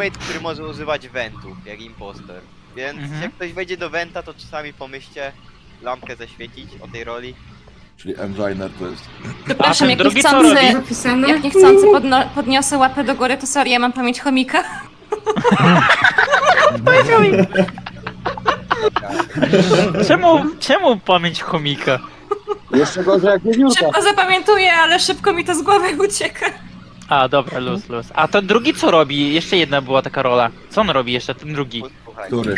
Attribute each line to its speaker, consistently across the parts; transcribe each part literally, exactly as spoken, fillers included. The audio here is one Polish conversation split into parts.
Speaker 1: teammate, który może używać wentów, jak impostor. Więc
Speaker 2: Mhm.
Speaker 1: jak ktoś wejdzie do wenta, to czasami pomyślcie lampkę zaświecić o tej roli.
Speaker 3: Czyli Enginer to jest...
Speaker 2: A
Speaker 4: Przepraszam,
Speaker 2: ten
Speaker 4: jak
Speaker 2: drugi co
Speaker 4: niechcący,
Speaker 2: robi?
Speaker 5: Zapisane?
Speaker 4: jak niechcący podno- podniosę łapę do góry, to sorry, ja mam pamięć chomika.
Speaker 2: Czemu, czemu pamięć chomika?
Speaker 6: Jeszcze gorzej jak wiewiórka.
Speaker 4: Szybko zapamiętuję, ale szybko mi to z głowy ucieka.
Speaker 2: A, dobra, luz, luz. A ten drugi co robi? Jeszcze jedna była taka rola. Co on robi jeszcze, ten drugi?
Speaker 1: Posłuchajcie.
Speaker 3: Który?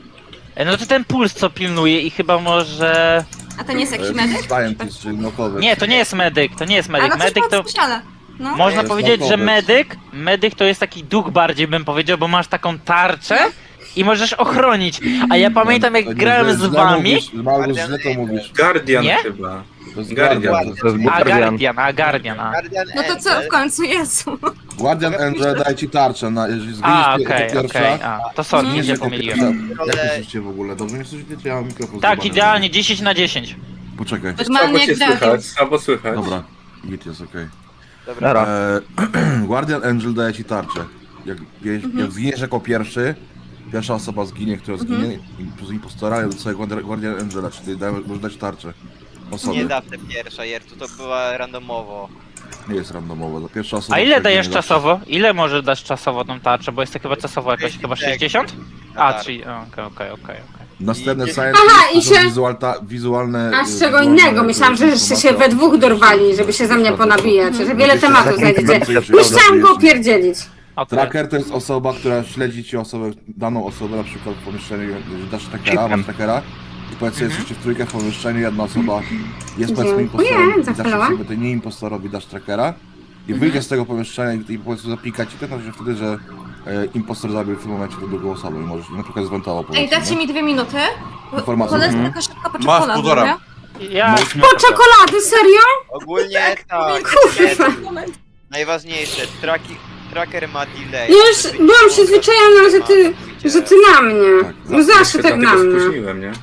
Speaker 2: E, No to ten puls co pilnuje i chyba może...
Speaker 4: A to nie jest jakiś
Speaker 3: E,
Speaker 4: medyk?
Speaker 3: Scientist, czyli naukowy.
Speaker 2: Nie, to nie jest medyk, to nie jest
Speaker 4: A
Speaker 2: medyk.
Speaker 4: no coś
Speaker 2: Medyk to...
Speaker 4: podspeciala. No.
Speaker 2: Można
Speaker 3: jest
Speaker 2: powiedzieć, że
Speaker 3: naukowiec.
Speaker 2: medyk, medyk to jest taki duch bardziej bym powiedział, bo masz taką tarczę i możesz ochronić. A ja pamiętam
Speaker 3: To
Speaker 2: jak
Speaker 3: nie,
Speaker 2: grałem
Speaker 3: że
Speaker 2: z
Speaker 3: źle
Speaker 2: wami...
Speaker 3: Mówisz, Malgus, źle to mówisz.
Speaker 7: Guardian
Speaker 2: Nie?
Speaker 7: chyba.
Speaker 3: To jest
Speaker 7: Guardian.
Speaker 3: Guardian.
Speaker 8: To jest
Speaker 2: A,
Speaker 8: Guardian.
Speaker 2: Guardian, a, Guardian, a.
Speaker 1: Guardian
Speaker 4: No to co
Speaker 1: Angel.
Speaker 4: w końcu, Jezu?
Speaker 3: Guardian Angel daje ci tarczę, na, jeżeli
Speaker 2: A,
Speaker 3: zginiesz
Speaker 2: okej,
Speaker 3: okay,
Speaker 2: okej,
Speaker 3: pierwsza...
Speaker 2: a. To sorry,
Speaker 3: zginiesz
Speaker 2: się
Speaker 3: jako
Speaker 2: pomyliłem.
Speaker 3: pierwsza. Jak myślicie w ogóle? Dobrze mnie słyszycie? Ja mam mikrofon
Speaker 2: Tak,
Speaker 3: zjebany.
Speaker 2: idealnie, dziesięć na dziesięć.
Speaker 3: Poczekaj.
Speaker 7: Słabo
Speaker 4: Normalnie
Speaker 7: cię
Speaker 4: jak radio.
Speaker 7: słychać, słabo słychać.
Speaker 3: Dobra, git jest okej.
Speaker 1: Dobra.
Speaker 8: Nara.
Speaker 3: Eee, Guardian Angel daje ci tarczę. Jak, jak,
Speaker 4: Mhm.
Speaker 3: jak zginiesz jako pierwszy, pierwsza osoba zginie, która zginie i przez impostora, ja dostaję Guardian Guardian Angela, czyli daje, możesz dać tarczę. Osobie.
Speaker 1: Nie zawsze pierwsza, Jertu, to była randomowo.
Speaker 3: Nie jest randomowo, to pierwsza osoba.
Speaker 2: A ile
Speaker 3: która
Speaker 2: dajesz
Speaker 3: zginie zawsze.
Speaker 2: czasowo? Ile możesz dać czasowo tą tarczę? Bo jest to chyba czasowo jakoś, chyba sześćdziesiąt? A,
Speaker 1: Tak.
Speaker 2: czyli... Okej, okej, okej.
Speaker 3: Następne
Speaker 1: I-
Speaker 3: science
Speaker 5: Aha,
Speaker 3: to
Speaker 5: i
Speaker 3: są
Speaker 5: się-
Speaker 3: wizualta, wizualne...
Speaker 5: A
Speaker 3: y,
Speaker 5: z czego
Speaker 3: wizualne,
Speaker 5: innego?
Speaker 3: y,
Speaker 5: Myślałam, że jeszcze się
Speaker 3: informacja
Speaker 5: we
Speaker 3: o-
Speaker 5: dwóch dorwali, żeby się ze mnie ponabijać, że wiele tematów znajdziecie. Już chciałam go opierdzielić.
Speaker 2: Okej.
Speaker 3: Tracker to jest osoba, która śledzi ci osobę, daną osobę, na przykład w pomieszczeniu, że dasz trackera, masz trackera i powiedzmy, jesteście w trójkę w pomieszczeniu, jedna osoba jest powiedzmy
Speaker 5: Dziękuję,
Speaker 3: impostorem i dasz
Speaker 5: zapalała.
Speaker 3: sobie, to nie impostorowi dasz trackera i wyjdzie z tego pomieszczenia i, i powiedzmy zapika ci, to znaczy wtedy, że e, impostor zabił w tym momencie tę drugą osobę i możesz na przykład zwentował
Speaker 4: Ej,
Speaker 3: powiedzmy,
Speaker 4: dacie
Speaker 3: nie?
Speaker 4: mi dwie minuty?
Speaker 3: Informacje.
Speaker 4: Polecę
Speaker 3: Mhm.
Speaker 4: tylko szybko po
Speaker 9: Masz
Speaker 4: czekoladę,
Speaker 9: półtora.
Speaker 4: dobra?
Speaker 2: Ja...
Speaker 5: Po czekolady, serio?
Speaker 1: Ogólnie tak.
Speaker 5: Kurwa.
Speaker 1: Najważniejsze, traki, tracker ma delay.
Speaker 5: Ja już byłam przyzwyczajona, że ty, że ty na mnie.
Speaker 3: Tak,
Speaker 5: No zawsze
Speaker 7: Ja
Speaker 5: tak
Speaker 7: się
Speaker 5: na
Speaker 7: dlatego
Speaker 5: mnie.
Speaker 7: spóźniłem, nie?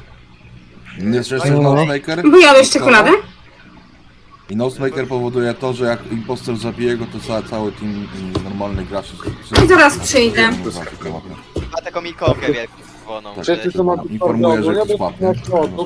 Speaker 3: Jest jeszcze
Speaker 8: No.
Speaker 3: Nosemaker.
Speaker 5: Bo jadłeś czekoladę?
Speaker 3: I Nosemaker powoduje to, że jak impostor zabije go, to cały, cały team mm, normalnych graczy...
Speaker 5: I zaraz przyjdę.
Speaker 1: Ma taką ikokę wielką czerwoną.
Speaker 3: Tak.
Speaker 1: że-
Speaker 6: Wszyscy są
Speaker 3: Informuję, że
Speaker 6: nie
Speaker 3: ktoś padnie.
Speaker 6: jak to.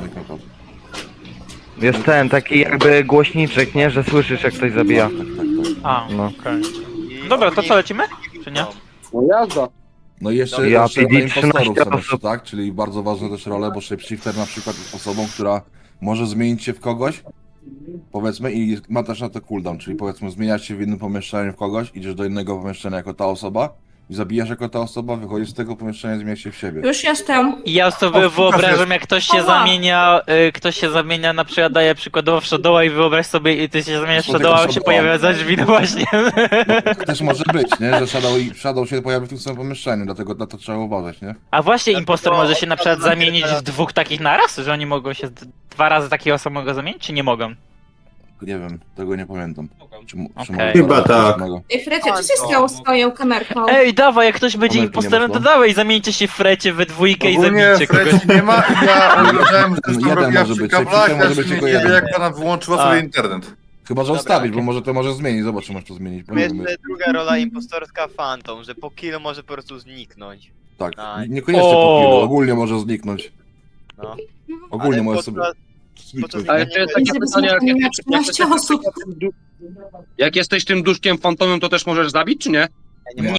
Speaker 8: Jest ten, taki jakby głośniczek, nie? Że słyszysz jak ktoś zabija.
Speaker 3: Tak, tak, tak.
Speaker 2: A,
Speaker 8: No.
Speaker 2: okej.
Speaker 1: i
Speaker 2: Dobra, to
Speaker 1: ogólnie-
Speaker 2: co, lecimy? Czy nie?
Speaker 6: No jazda.
Speaker 3: No i jeszcze,
Speaker 8: Ja
Speaker 3: jeszcze
Speaker 8: P D
Speaker 3: dla impostorów
Speaker 8: trzynaście
Speaker 3: są jeszcze,
Speaker 8: osób.
Speaker 3: tak? Czyli bardzo ważne też role, bo shapeshifter na przykład jest osobą, która może zmienić się w kogoś, powiedzmy, i ma też na to cooldown, czyli powiedzmy zmieniasz się w jednym pomieszczeniu w kogoś, idziesz do innego pomieszczenia jako ta osoba i zabijasz jako ta osoba, wychodzisz z tego pomieszczenia i zmieniasz się w siebie.
Speaker 4: Już jestem.
Speaker 2: I ja sobie
Speaker 9: O,
Speaker 2: wyobrażam, jak ktoś się
Speaker 4: Ała.
Speaker 2: zamienia, y, ktoś się zamienia, na przykład daje przykładowo w Shadowa i wyobraź sobie, i ty się zamieniasz w
Speaker 3: Spotykasz
Speaker 2: Shadowa, a on się
Speaker 3: Shadowa.
Speaker 2: pojawia za drzwi, no właśnie.
Speaker 3: Też może być, nie? Że Shadow, i- Shadow się pojawi w tym samym pomieszczeniu, dlatego na to trzeba uważać, nie?
Speaker 2: A właśnie
Speaker 1: Dlatego
Speaker 2: impostor może się na przykład
Speaker 1: odprawę
Speaker 2: zamienić
Speaker 1: teraz-
Speaker 2: w dwóch takich naraz? Że oni mogą się d- dwa razy takiego samego zamienić, czy nie mogą?
Speaker 3: Nie wiem, tego nie pamiętam. Czy, mu- czy
Speaker 2: Okej.
Speaker 3: mogę
Speaker 7: Chyba
Speaker 3: zabrać
Speaker 7: tak.
Speaker 3: samego?
Speaker 4: Ej, Frecie, co się stało z twoją kamerką?
Speaker 2: Ej, dawaj, jak ktoś będzie
Speaker 3: Kamerki nie
Speaker 2: impostorem, to
Speaker 3: można?
Speaker 2: dawaj, zamieńcie się w frecie we dwójkę i
Speaker 9: Ogólnie
Speaker 2: zabijcie kogoś.
Speaker 9: Freci nie ma i ja uważałem, że
Speaker 3: Jeden
Speaker 9: to robiła
Speaker 3: może
Speaker 9: przy
Speaker 3: być,
Speaker 9: kablach,
Speaker 3: tylko może
Speaker 9: ja
Speaker 3: być
Speaker 9: się
Speaker 3: tylko
Speaker 9: nie wiem
Speaker 3: jeden.
Speaker 9: jak pana wyłączyła
Speaker 2: A.
Speaker 9: sobie internet.
Speaker 3: Chyba, że
Speaker 1: Dobra,
Speaker 3: ustawić, bo
Speaker 2: okej.
Speaker 3: może to może zmienić, zobacz, czy możesz to zmienić. bo nie wiem.
Speaker 1: Jeszcze druga rola impostorska Phantom, że po killu może po prostu zniknąć.
Speaker 3: Tak,
Speaker 1: Tak.
Speaker 3: niekoniecznie
Speaker 2: O!
Speaker 3: po killu, ogólnie może zniknąć.
Speaker 1: No.
Speaker 3: Ogólnie
Speaker 1: Ale
Speaker 3: może
Speaker 1: podczas-
Speaker 3: sobie
Speaker 1: podczas
Speaker 3: zniknąć.
Speaker 10: Ale jeszcze jest takie pytanie, jak, jak, jak,
Speaker 4: trzynaście osób.
Speaker 10: jak jesteś tym duszkiem fantomem, to też możesz zabić, czy nie?
Speaker 1: Nie, nie